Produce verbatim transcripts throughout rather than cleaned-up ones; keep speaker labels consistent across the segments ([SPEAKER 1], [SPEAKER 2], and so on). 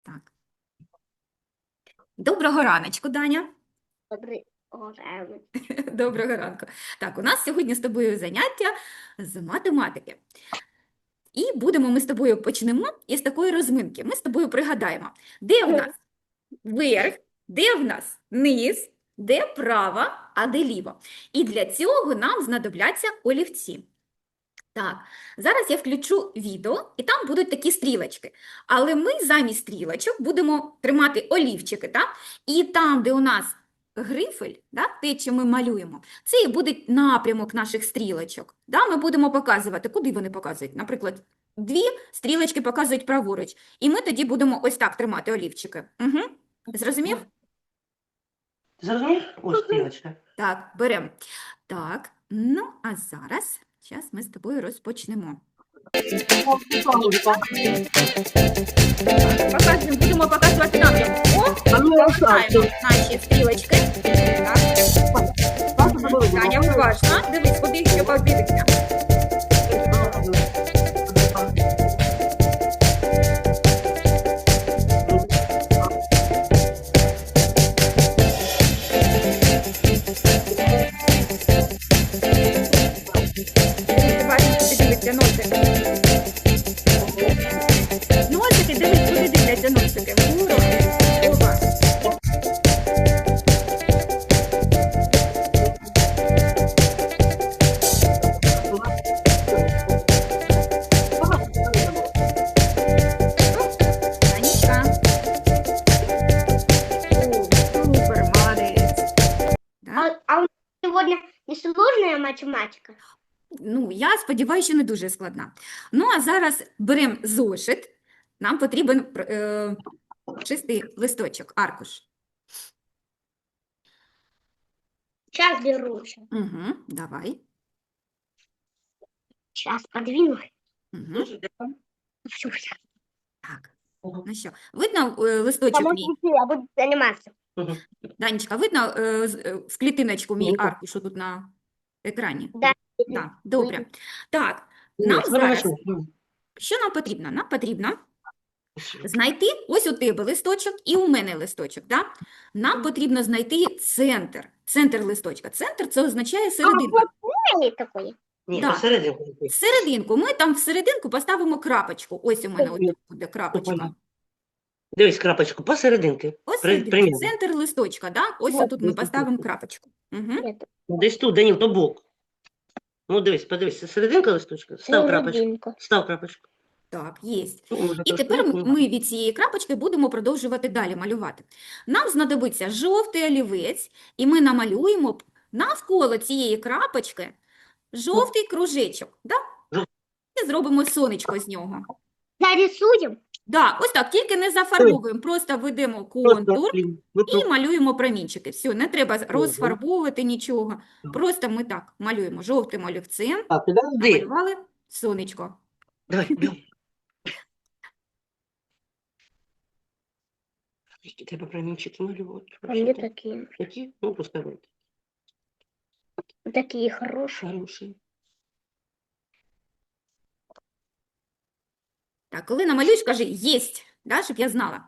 [SPEAKER 1] Так. Доброго раночку, Даня.
[SPEAKER 2] Добрий ранок.
[SPEAKER 1] Доброго ранку. Так, у нас сьогодні з тобою заняття з математики. І будемо ми з тобою почнемо із такої розминки. Ми з тобою пригадаємо, де в нас верх, де в нас низ, де права, а де ліво. І для цього нам знадобляться олівці. Так, зараз я включу відео, і там будуть такі стрілочки. Але ми замість стрілочок будемо тримати олівчики, так? І там, де у нас грифель, да, те, що ми малюємо, це і буде напрямок наших стрілочок. Да? Ми будемо показувати, куди вони показують. Наприклад, дві стрілочки показують праворуч. І ми тоді будемо ось так тримати олівчики. Угу. Зрозумів?
[SPEAKER 3] Зрозумів? Ось стрілочка.
[SPEAKER 1] Так, беремо. Так, ну, а зараз, зараз ми з тобою розпочнемо. Показуємо, будемо показувати напрямок. О, повертаємо наші стрілочки. Так. Таня, уважно. Дивись, куди треба дивитися. Ти бачиш, куди дивиться носик. Носики, дивись, куди дивляться носики. Вгору. Опа. Анічка. О, супер, молодець. Да?
[SPEAKER 2] А, а у нас сегодня несложная математика?
[SPEAKER 1] Ну, я сподіваюся, що не дуже складна. Ну, а зараз беремо зошит. Нам потрібен е, чистий листочок, аркуш.
[SPEAKER 2] Сейчас беру.
[SPEAKER 1] Угу, давай.
[SPEAKER 2] Сейчас подвину.
[SPEAKER 1] Угу.
[SPEAKER 2] Всю.
[SPEAKER 1] Так, ну що, видно е, листочок мій?
[SPEAKER 2] Я буду заниматься.
[SPEAKER 1] Данечка, видно е, з- е, в клітиночку мій
[SPEAKER 3] Видно.
[SPEAKER 1] аркуш тут на екрані?
[SPEAKER 2] Да.
[SPEAKER 1] Так, добре. Так, нам
[SPEAKER 3] Ні,
[SPEAKER 1] зараз,
[SPEAKER 3] хорошо. Ну,
[SPEAKER 1] що нам потрібно? Нам потрібно знайти, ось у тебе листочок і у мене листочок, да? Нам потрібно знайти центр, центр листочка. Центр – це означає серединку.
[SPEAKER 2] Ой, такой.
[SPEAKER 3] Ні,
[SPEAKER 1] Да.
[SPEAKER 3] посерединку.
[SPEAKER 1] Серединку. Ми там в серединку поставимо крапочку. Ось у мене ось тут буде крапочка.
[SPEAKER 3] Дивись крапочку, посерединки.
[SPEAKER 1] Ось
[SPEAKER 3] При-
[SPEAKER 1] серединка,
[SPEAKER 3] примірно.
[SPEAKER 1] центр листочка, да? Ось
[SPEAKER 2] Вот.
[SPEAKER 1] тут ми поставимо крапочку. Угу.
[SPEAKER 2] Нет.
[SPEAKER 3] Десь тут, Даніл, то бок. Ну, дивись, подивись, це серединка листочка. Став крапочку.
[SPEAKER 2] Серединку.
[SPEAKER 3] Став крапочку.
[SPEAKER 1] Так, є.
[SPEAKER 3] Ну, може,
[SPEAKER 1] І
[SPEAKER 3] трошки
[SPEAKER 1] тепер м-
[SPEAKER 3] вниз.
[SPEAKER 1] ми від цієї крапочки будемо продовжувати далі малювати. Нам знадобиться жовтий олівець, і ми намалюємо п- навколо цієї крапочки жовтий кружечок. Да?
[SPEAKER 3] Жов-
[SPEAKER 1] І зробимо сонечко з нього.
[SPEAKER 2] Зарисуем.
[SPEAKER 1] Да, ось так, тільки не зафарбовуємо, просто ведемо контур
[SPEAKER 3] Просто клін. Ну,
[SPEAKER 1] і
[SPEAKER 3] то-
[SPEAKER 1] малюємо промінчики. Все, не треба розфарбовувати нічого. Просто ми так малюємо жовтим олівцем,
[SPEAKER 3] Так, підожди.
[SPEAKER 1] намалювали сонечко.
[SPEAKER 3] Давай, бігом. Які треба промінчики малювати?
[SPEAKER 2] А мне такие.
[SPEAKER 3] Які? Ну, пускай будуть.
[SPEAKER 2] Такие хорошие.
[SPEAKER 3] Хороші.
[SPEAKER 1] Так, коли намалюєш, кажи «єсть», да, щоб я знала.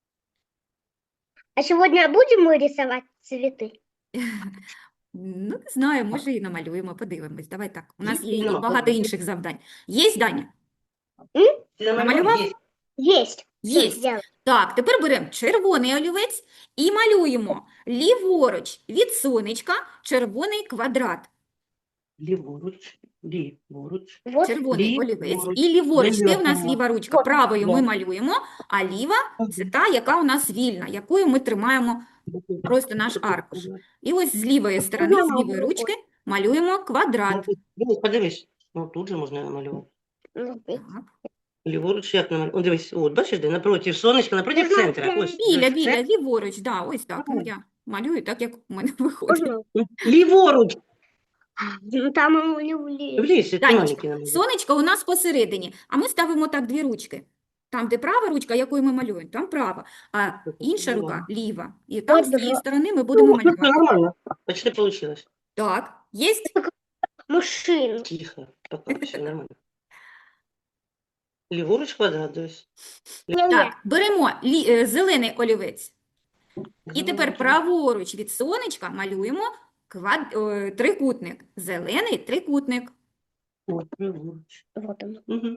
[SPEAKER 2] А сегодня будем мы рисовать цветы?
[SPEAKER 1] Ну, не знаю, може і намалюємо, подивимось. Давай так, у нас є і
[SPEAKER 3] Нема,
[SPEAKER 1] багато
[SPEAKER 3] подивимось.
[SPEAKER 1] інших завдань. Єсть, Даня?
[SPEAKER 3] Ти
[SPEAKER 1] Намалював?
[SPEAKER 3] Є.
[SPEAKER 2] Есть. Всё
[SPEAKER 1] Єсть.
[SPEAKER 2] сделала.
[SPEAKER 1] Так, тепер беремо червоний олівець і малюємо ліворуч від сонечка червоний квадрат.
[SPEAKER 3] Ліворуч, ліворуч.
[SPEAKER 2] Вот.
[SPEAKER 1] Червоний олівець
[SPEAKER 3] Ліворуч.
[SPEAKER 1] і ліворуч. Де в нас
[SPEAKER 3] Ліворуч.
[SPEAKER 1] ліва ручка?
[SPEAKER 2] Вот.
[SPEAKER 1] Правою ми
[SPEAKER 3] Да.
[SPEAKER 1] малюємо, а ліва – це та, яка у нас вільна, якою ми тримаємо просто наш аркуш. І ось з лівої сторони, з лівої ручки малюємо квадрат.
[SPEAKER 3] Дивись, подивись. Ну, тут же можна намалювати.
[SPEAKER 2] Ну,
[SPEAKER 1] Так.
[SPEAKER 3] Ліворуч як намалювати? О, дивись, от, бачиш, де напротив сонечка, напротив
[SPEAKER 2] Можна
[SPEAKER 3] центра. Ось.
[SPEAKER 1] Біля,
[SPEAKER 3] ось
[SPEAKER 1] біля,
[SPEAKER 3] це.
[SPEAKER 1] ліворуч, да, ось так. Ну, я малюю так, як у мене виходить.
[SPEAKER 2] можно?
[SPEAKER 3] Ліворуч.
[SPEAKER 2] Ну, там у него
[SPEAKER 3] В лісі,
[SPEAKER 1] Танечка,
[SPEAKER 3] тоненький намалювати.
[SPEAKER 1] сонечко у нас посередині, а ми ставимо так дві ручки. Там, де права ручка, якою ми малюємо, там права, а інша рука ліва. І там з цієї сторони ми будемо малювати.
[SPEAKER 3] Нормально. Почти получилось.
[SPEAKER 1] Так, є?
[SPEAKER 2] машину.
[SPEAKER 3] Тихо. Пока все нормально. Ліворуч квадрат, дивись.
[SPEAKER 2] Не-не.
[SPEAKER 1] Так, беремо лі- е, зелений олівець. І тепер
[SPEAKER 3] Ліворуч.
[SPEAKER 1] праворуч від сонечка малюємо квад... е, трикутник. Зелений трикутник.
[SPEAKER 3] О, ліворуч.
[SPEAKER 2] Вот он.
[SPEAKER 3] Угу.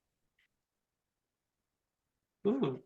[SPEAKER 3] Угу.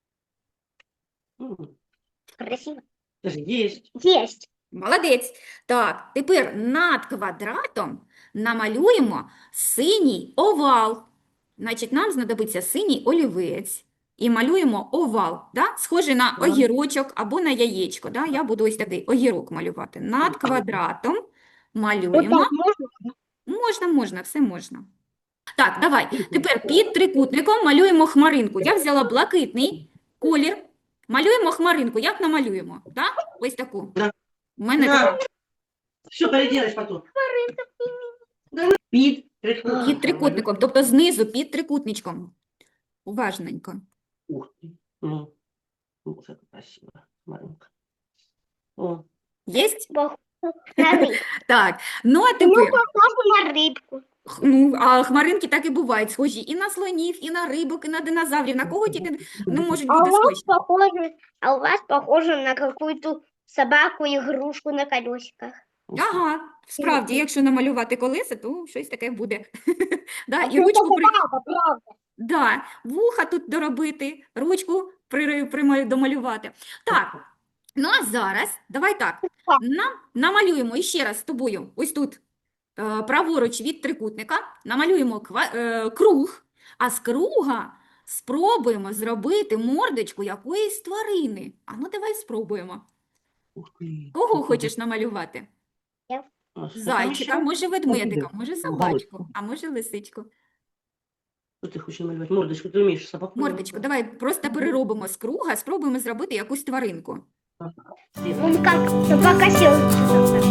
[SPEAKER 3] Угу.
[SPEAKER 2] Красиво.
[SPEAKER 3] Есть.
[SPEAKER 2] Есть.
[SPEAKER 1] Молодець. Так, тепер над квадратом намалюємо синій овал. Значить, нам знадобиться синій олівець. І малюємо овал, да? Схожий на
[SPEAKER 3] Так.
[SPEAKER 1] огірочок або на яєчко. Да? Я буду ось такий огірок малювати. Над квадратом
[SPEAKER 2] Вот
[SPEAKER 1] малюємо.
[SPEAKER 2] так можно?
[SPEAKER 1] Можна, можна, все можна. Так, давай. Тепер під трикутником малюємо хмаринку. Я взяла блакитний колір. Малюємо хмаринку. Як намалюємо? Так? Ось таку.
[SPEAKER 3] Да.
[SPEAKER 1] У мене
[SPEAKER 3] Да.
[SPEAKER 1] така.
[SPEAKER 3] Все, переделаешь потом. Да, під трикутником.
[SPEAKER 1] Під трикутником, тобто знизу під трикутничком. Уважненько.
[SPEAKER 3] Ух ты. Ну, вот это красиво. Маленько. О,
[SPEAKER 1] Єсть?
[SPEAKER 2] Похоже на рыбку.
[SPEAKER 1] Так. Ну, а
[SPEAKER 2] Ну,
[SPEAKER 1] тепер,
[SPEAKER 2] похоже на рыбку.
[SPEAKER 1] х- ну, а хмаринки так і бувають схожі і на слонів, і на рибок, і на динозаврів. На кого тільки ну, можуть
[SPEAKER 2] А у
[SPEAKER 1] бути
[SPEAKER 2] вас
[SPEAKER 1] схожі.
[SPEAKER 2] похоже, а у вас похоже на какую-то собаку, игрушку на колесиках.
[SPEAKER 1] Ага, справді, якщо намалювати колеса, то щось таке буде. Да,
[SPEAKER 2] А
[SPEAKER 1] і
[SPEAKER 2] це
[SPEAKER 1] ручку при...
[SPEAKER 2] правда, правда.
[SPEAKER 1] Да, вуха тут доробити, ручку при... прималю- домалювати. Так, ну а зараз, давай так, нам намалюємо іще раз з тобою, ось тут, е, праворуч від трикутника, намалюємо ква... е, круг, а з круга спробуємо зробити мордочку якоїсь тварини. А ну давай спробуємо.
[SPEAKER 3] ух ты.
[SPEAKER 1] Кого хочеш намалювати?
[SPEAKER 3] А что там
[SPEAKER 1] Зайчика,
[SPEAKER 3] еще?
[SPEAKER 1] може ведмедика,
[SPEAKER 3] Ага.
[SPEAKER 1] може
[SPEAKER 3] Ага.
[SPEAKER 1] собачку, а може лисичку.
[SPEAKER 3] Что ты хочешь намалевать? Мордочку, ты умеешь собаку
[SPEAKER 1] Мордочку, давай просто переробимо з круга, спробуємо зробити якусь тваринку.
[SPEAKER 3] намалевать?
[SPEAKER 2] Он как собака сел.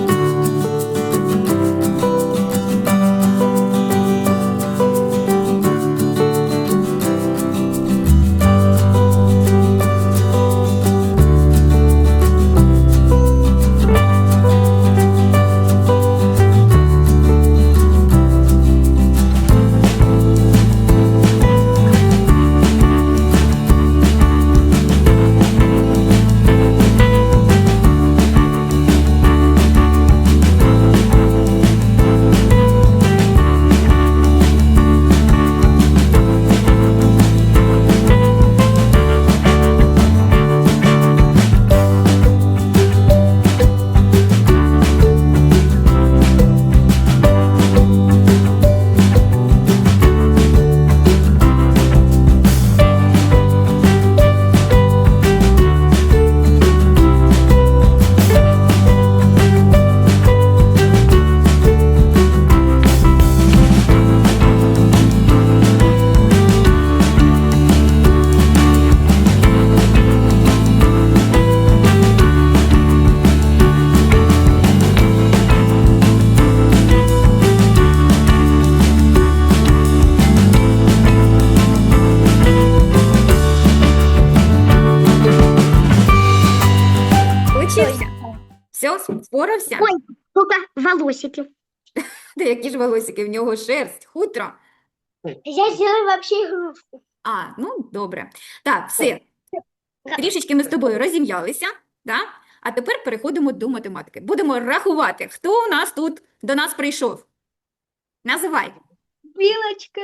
[SPEAKER 1] Получився? Все, спорався?
[SPEAKER 2] Ой. Только волосики.
[SPEAKER 1] Та які ж волосики, в нього шерсть, хутро.
[SPEAKER 2] Я сделаю вообще игрушку.
[SPEAKER 1] А, ну добре. Так, все. Трішечки ми з тобою розім'ялися, да? А тепер переходимо до математики. Будемо рахувати, хто у нас тут до нас прийшов. Називай.
[SPEAKER 2] Белочка,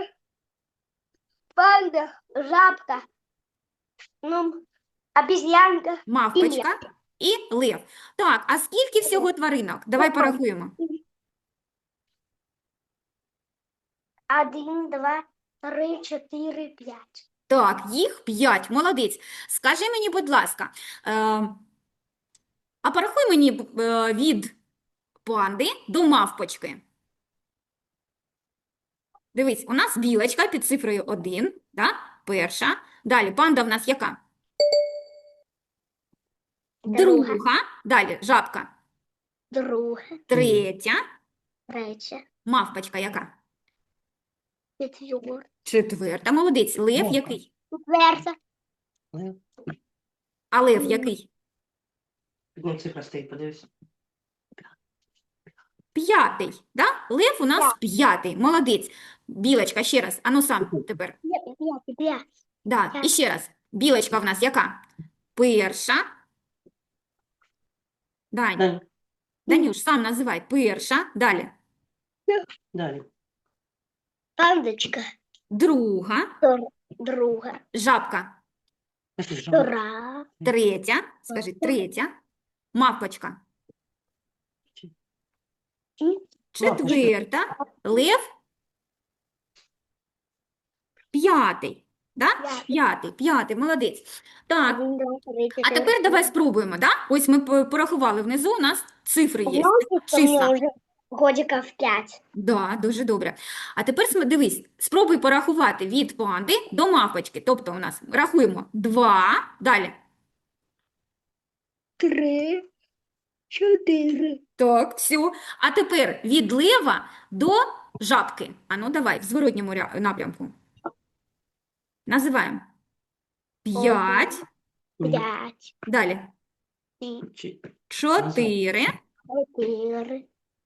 [SPEAKER 2] панда, жабка, ну, обезьянка.
[SPEAKER 1] Мавпочка і лев. Так, а скільки всього тваринок? Давай порахуємо.
[SPEAKER 2] Один, два, три, чотири, п'ять.
[SPEAKER 1] Так, їх п'ять. Молодець. Скажи мені, будь ласка, е, а порахуй мені б- е, від панди до мавпочки. Дивись, у нас білочка під цифрою один, да? Перша. Далі панда в нас яка?
[SPEAKER 2] Друга.
[SPEAKER 1] Друга. Далі жабка.
[SPEAKER 2] Друга,
[SPEAKER 1] Третя.
[SPEAKER 2] третя,
[SPEAKER 1] Мавпочка яка?
[SPEAKER 2] четверта,
[SPEAKER 1] Четверта. Молодець. Лев
[SPEAKER 3] Мавпа.
[SPEAKER 1] який?
[SPEAKER 2] четверта,
[SPEAKER 1] А лев який?
[SPEAKER 3] Ну, цифра стоит, подивись.
[SPEAKER 1] П'ятий. Да? Лев у нас п'ятий. Молодець. Білочка, ще раз. Ану сам тепер.
[SPEAKER 2] Пять, пять.
[SPEAKER 1] Да,
[SPEAKER 2] Так.
[SPEAKER 1] і ще раз. Білочка в нас яка? Перша. Дань,
[SPEAKER 3] Далі.
[SPEAKER 1] Данюш, сам називай. Перша. Далі.
[SPEAKER 3] Далі.
[SPEAKER 2] Пандочка.
[SPEAKER 1] Друга.
[SPEAKER 2] Втор- Друга.
[SPEAKER 1] Жабка.
[SPEAKER 3] Пошли, жаба.
[SPEAKER 2] Вторая.
[SPEAKER 1] Третя. Скажи, третя. Мавпочка.
[SPEAKER 2] И
[SPEAKER 1] Четверта. Лев. П'ятий. Да?
[SPEAKER 2] П'ятий.
[SPEAKER 1] П'ятий, п'ятий, молодець. Так,
[SPEAKER 2] один, два, три,
[SPEAKER 1] а
[SPEAKER 2] четыре.
[SPEAKER 1] тепер давай спробуємо, да? Ось ми по- порахували внизу, у нас цифри є,
[SPEAKER 2] Помнишь, что мне
[SPEAKER 1] числа.
[SPEAKER 2] уже годиков пять?
[SPEAKER 1] Да, дуже добре. А тепер см- дивись, спробуй порахувати від панди до мавпочки. Тобто у нас рахуємо два, далі.
[SPEAKER 2] Три, четыре.
[SPEAKER 1] Так, все. А тепер від лева до жабки. А ну давай, в зворотньому ря- напрямку. Називаємо. П'ять,
[SPEAKER 3] Мгм.
[SPEAKER 2] Пять.
[SPEAKER 1] далі.
[SPEAKER 2] Три,
[SPEAKER 3] Чи-
[SPEAKER 1] Чотири,
[SPEAKER 2] четыре.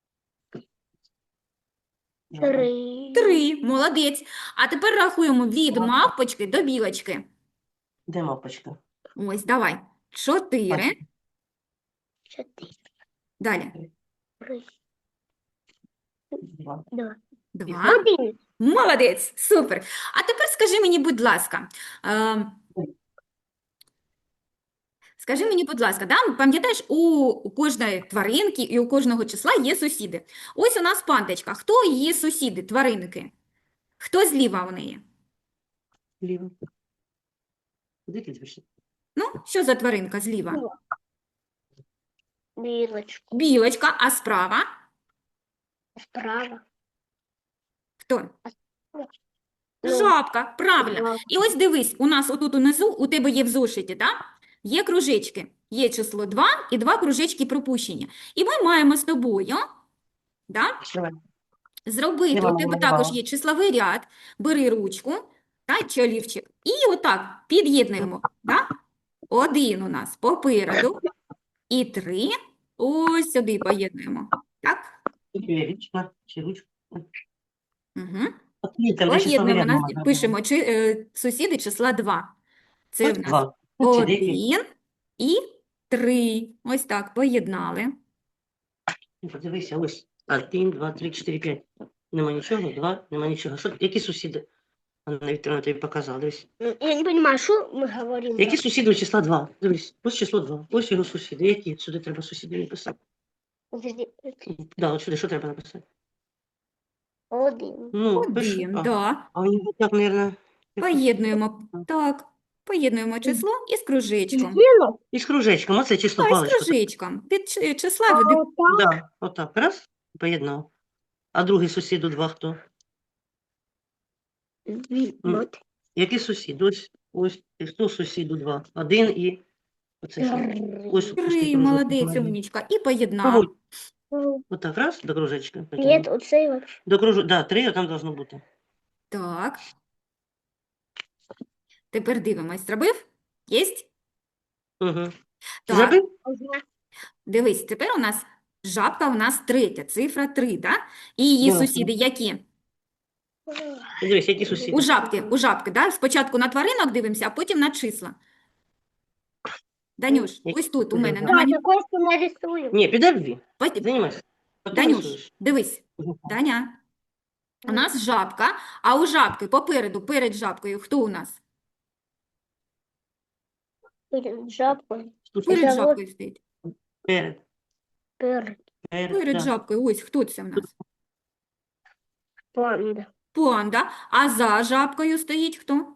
[SPEAKER 3] жаба.
[SPEAKER 2] Три.
[SPEAKER 1] три. Молодець. А тепер рахуємо від мавпочки до білочки.
[SPEAKER 3] Де мапочка?
[SPEAKER 1] Ось, давай. Чотири,
[SPEAKER 2] Четыре.
[SPEAKER 1] далі.
[SPEAKER 2] Три.
[SPEAKER 3] Два.
[SPEAKER 2] Два.
[SPEAKER 1] Два.
[SPEAKER 2] Один.
[SPEAKER 1] Молодець, супер. А тепер скажи мені, будь ласка, е, скажи мені, будь ласка, да, пам'ятаєш, у, у кожної тваринки і у кожного числа є сусіди. Ось у нас пандочка. Хто її сусіди, тваринки? Хто зліва у неї?
[SPEAKER 3] Ліво. Куди ти дивишся?
[SPEAKER 1] Ну, що за тваринка зліва?
[SPEAKER 2] Билочку.
[SPEAKER 1] Білочка, а справа?
[SPEAKER 2] Справа.
[SPEAKER 1] Хто?
[SPEAKER 2] Ну,
[SPEAKER 1] Жабка, правильно.
[SPEAKER 2] жабка.
[SPEAKER 1] І ось дивись, у нас отут унизу, у тебе є в зошиті, да? Є кружечки. Є число два і два кружечки пропущені. І ми маємо з тобою, да,
[SPEAKER 3] Давай.
[SPEAKER 1] зробити,
[SPEAKER 3] Я
[SPEAKER 1] у
[SPEAKER 3] вам
[SPEAKER 1] тебе
[SPEAKER 3] намалювала.
[SPEAKER 1] також є числовий ряд, бери ручку, та, чи олівчик, і отак під'єднуємо, да? Один у нас попереду, і три ось сюди поєднуємо, так?
[SPEAKER 3] Річка, чи ручка.
[SPEAKER 1] Угу.
[SPEAKER 3] От там, де числовий
[SPEAKER 1] Поєднуємо,
[SPEAKER 3] ряд
[SPEAKER 1] нас,
[SPEAKER 3] можна
[SPEAKER 1] пишемо чи, е, сусіди числа два. Це
[SPEAKER 3] Ось
[SPEAKER 1] в нас
[SPEAKER 3] два. От чи деякі.
[SPEAKER 1] один і три. Ось так, поєднали.
[SPEAKER 3] Ну, Подивися, ось. Один, два, три, чотири, п'ять. Нема нічого, два, нема нічого. Що, які сусіди? Анна Вікторовна тобі показала, дивись.
[SPEAKER 2] Я не понимаю, что мы говорим.
[SPEAKER 3] Які сусіди у числа два? Дивись, ось число два. Ось його сусіди. Які? Сюди треба сусіди написати.
[SPEAKER 2] Подожди.
[SPEAKER 3] Да, от сюди що треба написати?
[SPEAKER 2] Один.
[SPEAKER 3] Ну, пиши.
[SPEAKER 1] Один,
[SPEAKER 3] А,
[SPEAKER 1] да.
[SPEAKER 3] а у нього так, мабуть,
[SPEAKER 1] Поєднуємо, так, поєднуємо число із кружечком.
[SPEAKER 2] Сделал?
[SPEAKER 3] із кружечком. Оце число
[SPEAKER 1] А, із
[SPEAKER 3] паличка.
[SPEAKER 1] кружечком. Від чи- числа
[SPEAKER 2] А
[SPEAKER 1] від
[SPEAKER 2] вот так?
[SPEAKER 3] Да, отак. Раз, поєднав. А другий сусід у два хто?
[SPEAKER 2] Вот.
[SPEAKER 3] Який сусід? Ось, ось, і хто сусід у два? Один і... Оце що? Ось
[SPEAKER 1] три,
[SPEAKER 3] пустий
[SPEAKER 1] молодець,
[SPEAKER 3] кружок.
[SPEAKER 1] умнічка. І поєднав.
[SPEAKER 3] Погодь. Отак, раз, до кружечка. потягнув.
[SPEAKER 2] Нет, оцей вообще.
[SPEAKER 3] До кружу... Да, три, а там должно бути.
[SPEAKER 1] Так. Тепер дивимось. Зробив? Єсть?
[SPEAKER 3] Угу.
[SPEAKER 1] Так.
[SPEAKER 3] Зробив?
[SPEAKER 2] Ага.
[SPEAKER 1] Дивись, тепер у нас жабка у нас третя, цифра три, да? І її
[SPEAKER 3] Ясно.
[SPEAKER 1] сусіди які?
[SPEAKER 3] Дивись, які сусіди.
[SPEAKER 1] У жабки, у жабки, да? Спочатку на тваринок дивимося, а потім на числа. Данюш,
[SPEAKER 3] Які?
[SPEAKER 1] ось тут у мене
[SPEAKER 2] Да,
[SPEAKER 1] нема ні-
[SPEAKER 2] такой, что нарисую.
[SPEAKER 3] Ні, підожди.
[SPEAKER 1] Пот-
[SPEAKER 3] Займайся. Потім
[SPEAKER 1] Данюш,
[SPEAKER 3] рисуєш.
[SPEAKER 1] дивись, Даня, у нас жабка, а у жабки попереду, перед жабкою, хто у нас?
[SPEAKER 2] Перед жабкой.
[SPEAKER 3] Тут
[SPEAKER 1] Перед
[SPEAKER 2] Це от-
[SPEAKER 1] жабкою стоїть.
[SPEAKER 3] Перед.
[SPEAKER 2] Перед.
[SPEAKER 3] Перед,
[SPEAKER 1] Перед
[SPEAKER 3] да.
[SPEAKER 1] жабкою, ось хто це в нас?
[SPEAKER 2] Панда.
[SPEAKER 1] Панда. А за жабкою стоїть хто?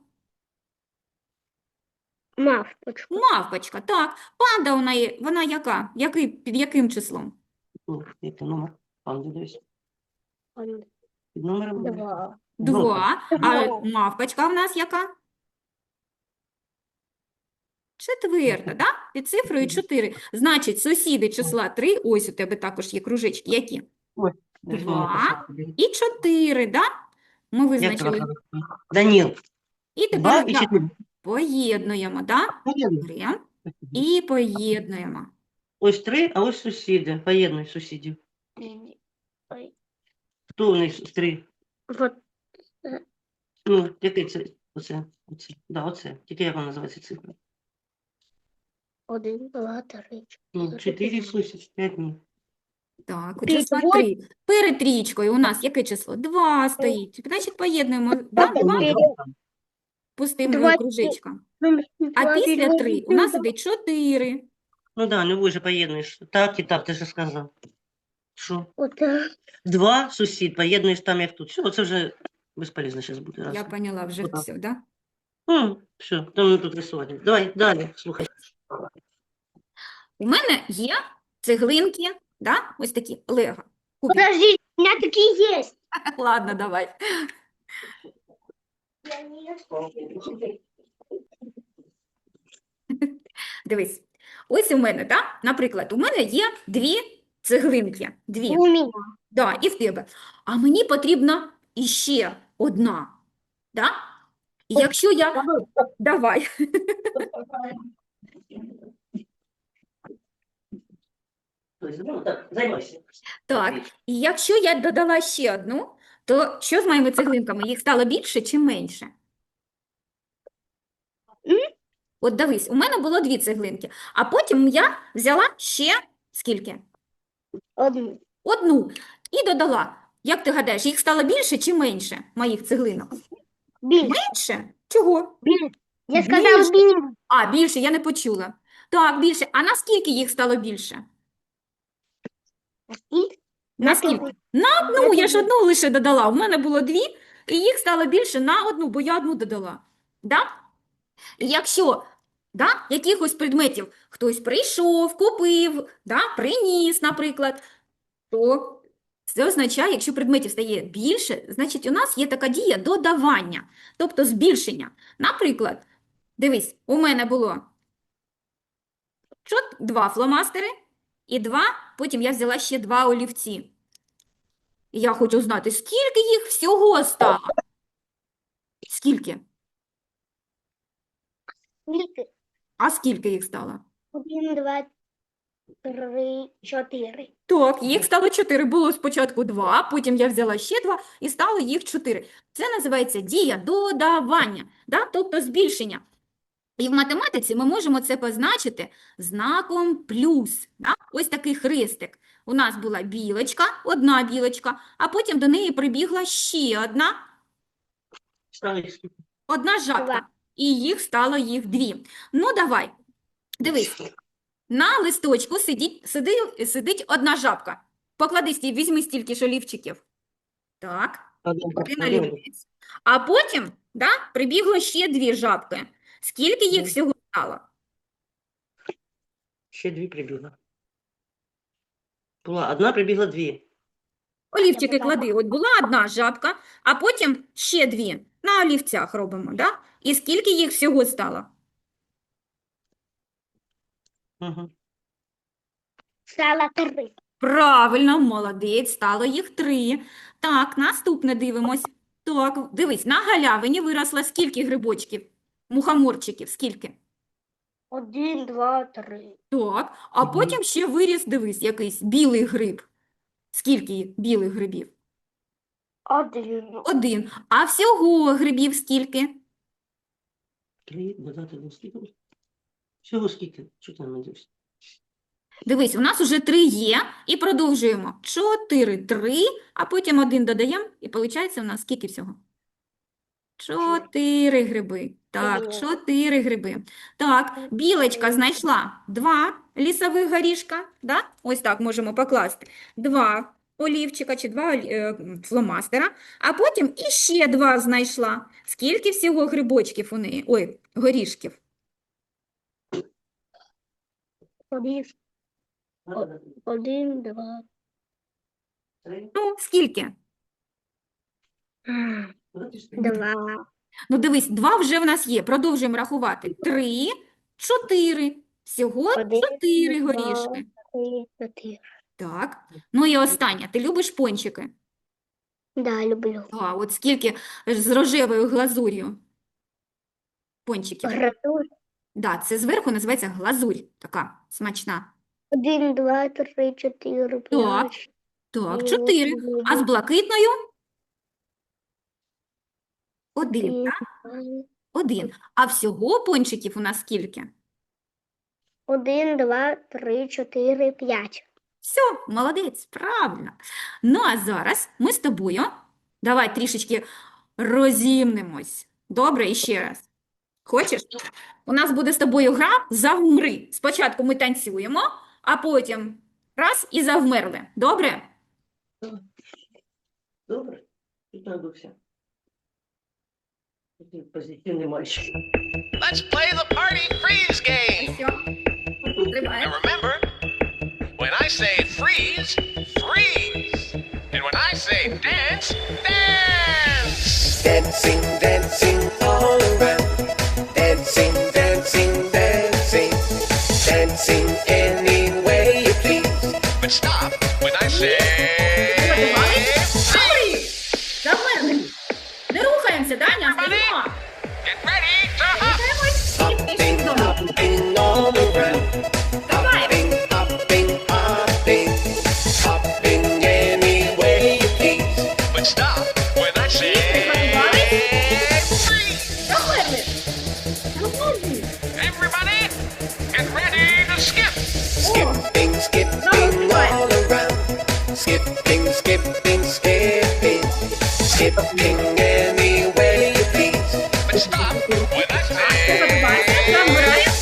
[SPEAKER 2] Мавпочка.
[SPEAKER 1] Мавпочка, так. Панда у неї, вона яка? Який, під яким числом?
[SPEAKER 3] Ну, який номер? Пан, дивись.
[SPEAKER 2] Панда.
[SPEAKER 3] Під номером.
[SPEAKER 2] Два.
[SPEAKER 1] Два. А
[SPEAKER 2] Два.
[SPEAKER 1] мавпочка в нас яка? Четверта, да? Під цифрою чотири. Значить, сусіди числа три, ось у тебе також є кружечки, які?
[SPEAKER 3] Десь
[SPEAKER 1] Два.
[SPEAKER 3] воно писав тобі.
[SPEAKER 1] І чотири, да? Ми
[SPEAKER 3] Як
[SPEAKER 1] визначили.
[SPEAKER 3] тебе звати? Даніл.
[SPEAKER 1] І
[SPEAKER 3] Два
[SPEAKER 1] тепер
[SPEAKER 3] і
[SPEAKER 1] да,
[SPEAKER 3] чотири.
[SPEAKER 1] поєднуємо, да?
[SPEAKER 3] Поєднуй.
[SPEAKER 1] Беремо і поєднуємо.
[SPEAKER 3] Ось три, а ось сусіди. Поєднуй сусідів.
[SPEAKER 2] Ой.
[SPEAKER 3] Хто у них з три?
[SPEAKER 2] Вот.
[SPEAKER 3] Ну, який це? Оце, оце. Да, оце. Тільки як вона називається цифра?
[SPEAKER 2] Один, два, три,
[SPEAKER 3] Ну,
[SPEAKER 2] чотири,
[SPEAKER 3] чотири
[SPEAKER 2] п'ять.
[SPEAKER 3] плюс п'ять ні.
[SPEAKER 1] Так, у
[SPEAKER 2] П'ять,
[SPEAKER 1] числа
[SPEAKER 2] вот.
[SPEAKER 1] три. Перед трієчкою у нас яке число? Два стоїть. Значить, поєднуємо, да?
[SPEAKER 3] Ну,
[SPEAKER 1] Два
[SPEAKER 2] Чотири.
[SPEAKER 3] там.
[SPEAKER 1] пустим
[SPEAKER 2] Два,
[SPEAKER 1] кружечком.
[SPEAKER 2] Ну,
[SPEAKER 1] А
[SPEAKER 2] два,
[SPEAKER 1] після
[SPEAKER 2] два,
[SPEAKER 1] три у
[SPEAKER 2] два.
[SPEAKER 1] нас іде чотири.
[SPEAKER 3] Ну да, не ви же поєднуєш. Так і так, ти ж сказав. Що?
[SPEAKER 2] Отак.
[SPEAKER 3] Два сусід, поєднуєш там, як тут. Все, це вже безполезно зараз буде.
[SPEAKER 1] Я
[SPEAKER 3] Раз.
[SPEAKER 1] поняла вже
[SPEAKER 3] Отак.
[SPEAKER 1] все, да?
[SPEAKER 3] М, все, там тут рисувати. Давай, далі, слухай.
[SPEAKER 1] У мене є цеглинки, да? Ось такі лего. Кубик.
[SPEAKER 2] Подожди, у меня такие есть.
[SPEAKER 1] Ладно, давай. Дивись. Ось у мене, да? Наприклад, у мене є дві цеглинки. Дві.
[SPEAKER 2] У меня.
[SPEAKER 1] Да, і в тебе. А мені потрібна іще одна. Да? І якщо я... Давай.
[SPEAKER 3] Ну, так, займайся.
[SPEAKER 1] Так, і якщо я додала ще одну, то що з моїми цеглинками? Їх стало більше чи менше?
[SPEAKER 2] М?
[SPEAKER 1] От дивись, у мене було дві цеглинки, а потім я взяла ще скільки?
[SPEAKER 2] Одну.
[SPEAKER 1] Одну. І додала. Як ти гадаєш, їх стало більше чи менше моїх цеглинок?
[SPEAKER 2] Більше.
[SPEAKER 1] Менше? Чого?
[SPEAKER 2] Більше. Я
[SPEAKER 1] Більше.
[SPEAKER 2] сказала більше.
[SPEAKER 1] А, більше, я не почула. Так, більше. А наскільки їх стало більше?
[SPEAKER 2] І
[SPEAKER 1] Наскільки? На одну, я ж одну лише додала. У мене було дві, і їх стало більше на одну, бо я одну додала. Да? І якщо да, якихось предметів хтось прийшов, купив, да, приніс, наприклад, то це означає, якщо предметів стає більше, значить у нас є така дія додавання, тобто збільшення. Наприклад, дивись, у мене було чот- два фломастери і два, потім я взяла ще два олівці. І я хочу знати, скільки їх всього стало? Скільки?
[SPEAKER 2] Скільки?
[SPEAKER 1] А скільки їх стало?
[SPEAKER 2] Один, два, три, чотири.
[SPEAKER 1] Так, їх стало чотири. Було спочатку два, потім я взяла ще два і стало їх чотири. Це називається дія додавання, да? Тобто збільшення. І в математиці ми можемо це позначити знаком плюс. Да? Ось такий хрестик. У нас була білочка, одна білочка, а потім до неї прибігла ще одна,
[SPEAKER 3] Ставиш скільки?
[SPEAKER 1] одна жабка.
[SPEAKER 2] Два.
[SPEAKER 1] І їх стало їх дві. Ну, давай. Дивись. На листочку сидить, сиди, сидить одна жабка. Поклади, стій, візьми стільки ж олівчиків. Так,
[SPEAKER 3] Один,
[SPEAKER 1] один
[SPEAKER 3] один.
[SPEAKER 1] олівець. А потім да, прибігло ще дві жабки. Скільки їх
[SPEAKER 3] Мгм.
[SPEAKER 1] всього стало?
[SPEAKER 3] Ще дві прибігла. Була одна, прибігла дві.
[SPEAKER 1] Олівчики
[SPEAKER 2] Я
[SPEAKER 1] клади. От була одна жабка, а потім ще дві. На олівцях робимо, да? І скільки їх всього стало?
[SPEAKER 3] Угу.
[SPEAKER 2] Стало три.
[SPEAKER 1] Правильно, молодець, стало їх три. Так, наступне дивимось. Так, дивись, на галявині виросло скільки грибочків? Мухоморчиків, скільки?
[SPEAKER 2] Один, два, три.
[SPEAKER 1] Так, а
[SPEAKER 3] Мгм.
[SPEAKER 1] потім ще виріс, дивись, якийсь білий гриб. Скільки білих грибів?
[SPEAKER 2] Один.
[SPEAKER 1] Один. А всього грибів скільки?
[SPEAKER 3] Три, додати один, скільки? Всього скільки? Що ти не дивишся?
[SPEAKER 1] Дивись, у нас уже три є, і продовжуємо. Чотири, три, а потім один додаємо, і виходить у нас скільки всього? Чотири гриби. Так,
[SPEAKER 2] Чотири.
[SPEAKER 1] чотири гриби. Так, білочка знайшла два лісових горішка, да? Ось так можемо покласти. Два олівчика чи два олі- е, м, фломастера, а потім іще два знайшла. Скільки всього грибочків у неї? Ой, горішків.
[SPEAKER 2] Один, один, два.
[SPEAKER 3] Три,
[SPEAKER 1] Ну, скільки?
[SPEAKER 3] додати три.
[SPEAKER 2] Два.
[SPEAKER 1] Ну, дивись, два вже в нас є. Продовжуємо рахувати. Три, чотири. Всього
[SPEAKER 2] Один,
[SPEAKER 1] чотири
[SPEAKER 2] два.
[SPEAKER 1] горішки.
[SPEAKER 2] Три, чотири.
[SPEAKER 1] Так. Ну і останнє. Ти любиш пончики?
[SPEAKER 2] Да, люблю.
[SPEAKER 1] А, от скільки з рожевою глазур'ю пончиків.
[SPEAKER 2] Гратур.
[SPEAKER 1] Да, це зверху називається глазурь, така смачна.
[SPEAKER 2] Один, два, три, чотири, п'ять.
[SPEAKER 1] Так,
[SPEAKER 2] І
[SPEAKER 1] чотири.
[SPEAKER 2] от
[SPEAKER 1] А з блакитною? Один,
[SPEAKER 2] Один,
[SPEAKER 1] так?
[SPEAKER 2] два,
[SPEAKER 1] Один. А всього пончиків у нас скільки?
[SPEAKER 2] Один, два, три, чотири, п'ять.
[SPEAKER 1] Все, молодець, правильно. Ну, а зараз ми з тобою, давай трішечки розімнемось. Добре, і ще раз. Хочеш? У нас буде з тобою гра «Завмри». Спочатку ми танцюємо, а потім раз і завмерли. Добре?
[SPEAKER 3] Добре? Тут надувся. Такий позитивний мальчик.
[SPEAKER 4] Let's play the party freeze game.
[SPEAKER 1] Все.
[SPEAKER 4] Now
[SPEAKER 1] Тримаємо.
[SPEAKER 4] remember, when I say freeze, freeze. And when I say dance, dance.
[SPEAKER 5] Dancing, dancing all around. Dancing, dancing, dancing. Dancing any way you please.
[SPEAKER 4] But stop when I say freeze.
[SPEAKER 1] Завмерли. Не рухаємося, Даня, стоїмо.
[SPEAKER 4] Get ready to hop.
[SPEAKER 1] Рухаємось і пішли
[SPEAKER 5] Hopping,
[SPEAKER 1] вдома.
[SPEAKER 5] hopping all around.
[SPEAKER 1] Давай.
[SPEAKER 5] Hopping, hopping, hopping. Hopping any way you please.
[SPEAKER 4] But stop when I say freeze.
[SPEAKER 1] Завмерли. Завмерли.
[SPEAKER 4] Everybody, get ready to skip.
[SPEAKER 5] Skipping, skipping all around. Skipping, skipping, skipping. Skipping any way you please.
[SPEAKER 4] But stop when I say
[SPEAKER 1] Завмираємо.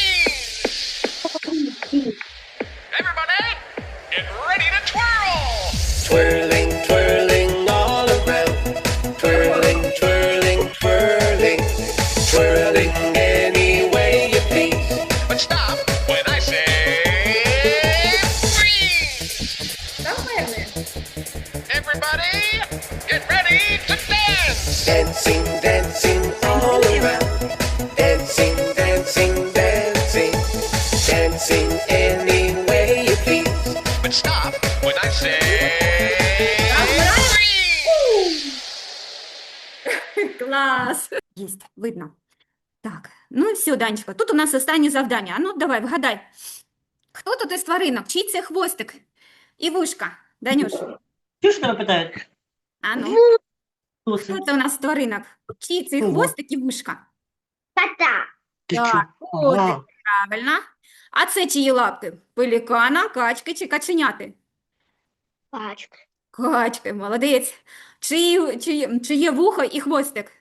[SPEAKER 4] freeze. Everybody, get ready to twirl.
[SPEAKER 5] Twirling, twirling all around. Twirling, twirling, twirling. Twirling any way you please.
[SPEAKER 4] But stop when I say freeze.
[SPEAKER 1] Завмерли.
[SPEAKER 4] Everybody, get ready to dance.
[SPEAKER 5] Dancing, dancing all around. Dancing, dancing, dancing. Dancing any way you please.
[SPEAKER 4] But stop when I say freeze.
[SPEAKER 1] Клас. Єсть, видно. Так, ну і все, Данечка, тут у нас останнє завдання. А ну, давай, вгадай. Хто тут із тваринок? Чий це хвостик? І вушка. Данюш,
[SPEAKER 3] Чого ж тебе питають?
[SPEAKER 1] а ну,
[SPEAKER 3] Хто
[SPEAKER 1] хто
[SPEAKER 3] це?
[SPEAKER 1] це у нас з тваринок? Чий цей
[SPEAKER 3] Ого.
[SPEAKER 1] хвостик і вушка?
[SPEAKER 2] Кота.
[SPEAKER 3] Ти
[SPEAKER 1] Так,
[SPEAKER 3] чого?
[SPEAKER 1] котик,
[SPEAKER 3] Ага.
[SPEAKER 1] правильно. А це чиї лапки? Пелікана, качки чи каченяти?
[SPEAKER 2] Пачка.
[SPEAKER 1] Качки, молодець. Чиї, чиї, чиє вухо і хвостик?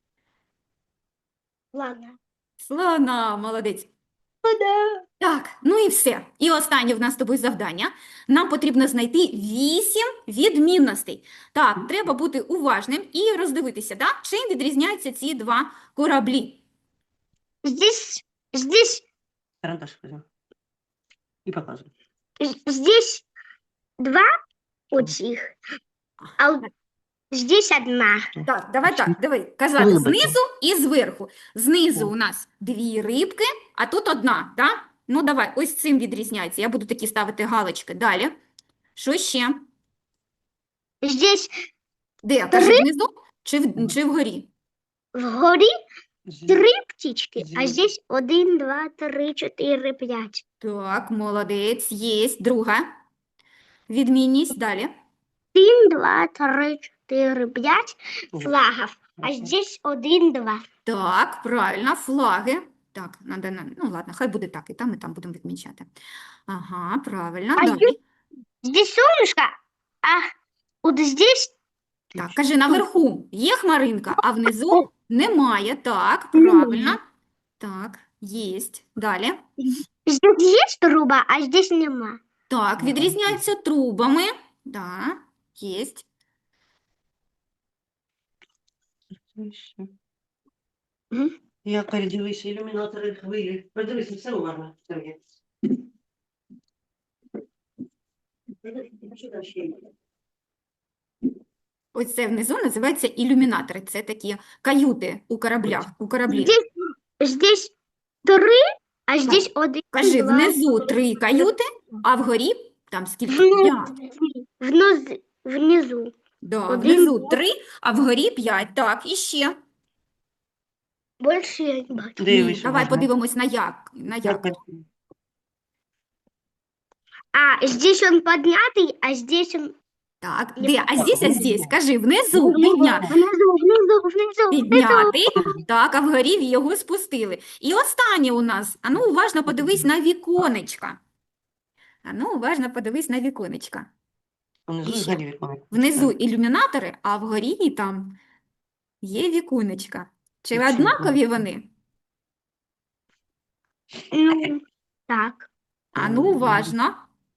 [SPEAKER 2] Ладно.
[SPEAKER 1] Слона, молодець.
[SPEAKER 2] Да.
[SPEAKER 1] Так, ну і все. І останнє в нас з тобою завдання. Нам потрібно знайти вісім відмінностей. Так, треба бути уважним і роздивитися, да? Чим відрізняються ці два кораблі.
[SPEAKER 2] Здесь, здесь,
[SPEAKER 3] Карандаш візьми. І показуй.
[SPEAKER 2] здесь два этих, а вот здесь одна.
[SPEAKER 1] Так, давай так, диви, казати
[SPEAKER 3] Рибки.
[SPEAKER 1] знизу і зверху. Знизу у нас дві рибки, а тут одна, так? Ну, давай, ось цим відрізняється. Я буду такі ставити галочки. Далі. Що ще?
[SPEAKER 2] Здесь
[SPEAKER 1] Де? Кажи, внизу чи, в, чи вгорі?
[SPEAKER 2] вгорі
[SPEAKER 3] Зі-
[SPEAKER 2] три птички, а
[SPEAKER 3] Зі-
[SPEAKER 2] здесь один, два, три, чотири, п'ять.
[SPEAKER 1] Так, молодець, єсть. Друга відмінність. Далі.
[SPEAKER 2] Один, два, три, чотири, п'ять
[SPEAKER 3] Ого.
[SPEAKER 2] флагов, а здесь один, два.
[SPEAKER 1] Так, правильно, флаги. Так, надо, на- ну ладно, хай буде так, і там, і там будемо відмічати. Ага, правильно.
[SPEAKER 2] А
[SPEAKER 1] Далі.
[SPEAKER 2] Здесь солнышко, а вот здесь
[SPEAKER 1] Так, кажи, наверху є хмаринка, а внизу немає. Так, правильно. Так, єсть. Далі.
[SPEAKER 2] здесь есть труба, а здесь нема.
[SPEAKER 1] Так, відрізняються трубами. Да, єсть.
[SPEAKER 3] Це ще.
[SPEAKER 2] Мгм.
[SPEAKER 3] Я передивися, ілюмінатори хвилі. Подивися, все уважно. Сергій. Що там ще є?
[SPEAKER 1] Ось це внизу називається ілюмінатори. Це такі каюти у кораблях, у кораблі.
[SPEAKER 2] Здесь, здесь три, а здесь один,
[SPEAKER 1] Кажи,
[SPEAKER 2] два,
[SPEAKER 1] внизу три каюти, а вгорі там скільки? П'ять.
[SPEAKER 2] внизу, внизу.
[SPEAKER 1] Да,
[SPEAKER 2] Один,
[SPEAKER 1] внизу три, а вгорі п'ять. Так, і ще.
[SPEAKER 2] Больше я не бачу.
[SPEAKER 1] Ні,
[SPEAKER 3] Дивись,
[SPEAKER 1] давай
[SPEAKER 3] уважно.
[SPEAKER 1] подивимось на як. На як.
[SPEAKER 3] Як?
[SPEAKER 2] А здесь он поднятый, а здесь он
[SPEAKER 1] Так,
[SPEAKER 2] Я
[SPEAKER 1] де? А здесь, а
[SPEAKER 3] внизу.
[SPEAKER 1] здесь? Скажи, внизу
[SPEAKER 2] Внизу,
[SPEAKER 1] підняти.
[SPEAKER 2] внизу, внизу, внизу, внизу.
[SPEAKER 1] Підняти, так, а вгорі його спустили. І останнє у нас, а ну уважно подивись на віконечка. А ну уважно подивись на віконечка.
[SPEAKER 3] Внизу
[SPEAKER 1] Ще.
[SPEAKER 3] згорі віконечко.
[SPEAKER 1] Внизу ілюмінатори, а вгорі там є віконечка. Чи
[SPEAKER 3] Нічого.
[SPEAKER 1] однакові вони?
[SPEAKER 2] Ну, так.
[SPEAKER 1] А ну уважно.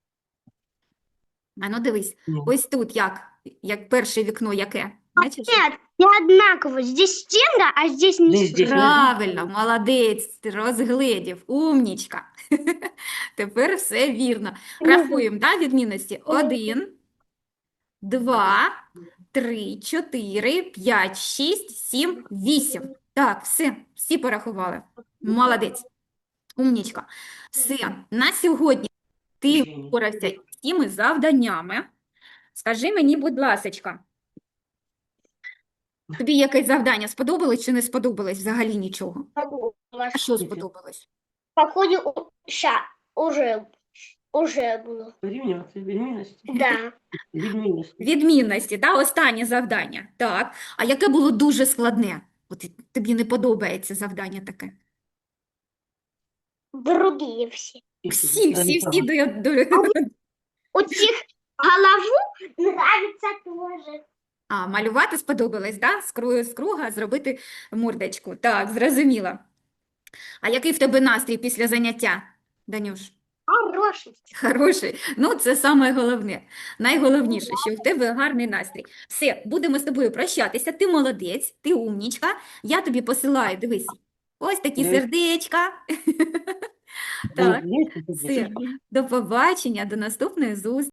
[SPEAKER 1] А ну дивись,
[SPEAKER 3] Ні.
[SPEAKER 1] ось тут як, як перше вікно яке? Бачиш?
[SPEAKER 2] Нет, не одинаково. Здесь стенка, а здесь не
[SPEAKER 3] Здесь, здесь.
[SPEAKER 1] Правильно, молодець, ти розгледів, умнічка. Тепер все вірно. Рахуємо, да, відмінності? Один, два, три, чотири, п'ять, шість, сім, вісім. Так, все, всі порахували. Молодець, умнічка. Все, на сьогодні ти впорався з всіми завданнями. Скажи мені, будь ласочка, тобі якесь завдання сподобалось чи не сподобалось взагалі нічого? А що сподобалось?
[SPEAKER 2] Походу, ща, уже, уже было.
[SPEAKER 3] Порівнювати відмінності.
[SPEAKER 2] Да.
[SPEAKER 3] Відмінності.
[SPEAKER 1] Відмінності, да? Останнє завдання. Так. А яке було дуже складне? От і тобі не подобається завдання таке?
[SPEAKER 2] Другие все.
[SPEAKER 1] Всі, всі, всі до, до...
[SPEAKER 2] У тех голову нравится тоже.
[SPEAKER 1] А, малювати сподобалось, да? З кру- з круга зробити мордочку. Так, зрозуміла. А який в тебе настрій після заняття, Данюш?
[SPEAKER 2] Хороший.
[SPEAKER 1] Хороший. Ну, це саме головне. Найголовніше, що в тебе гарний настрій. Все, будемо з тобою прощатися. Ти молодець, ти умнічка. Я тобі посилаю, дивись, ось такі
[SPEAKER 3] Дивись.
[SPEAKER 1] сердечка. Так,
[SPEAKER 3] Є, є, є.
[SPEAKER 1] все. До побачення, до наступної зустрічі.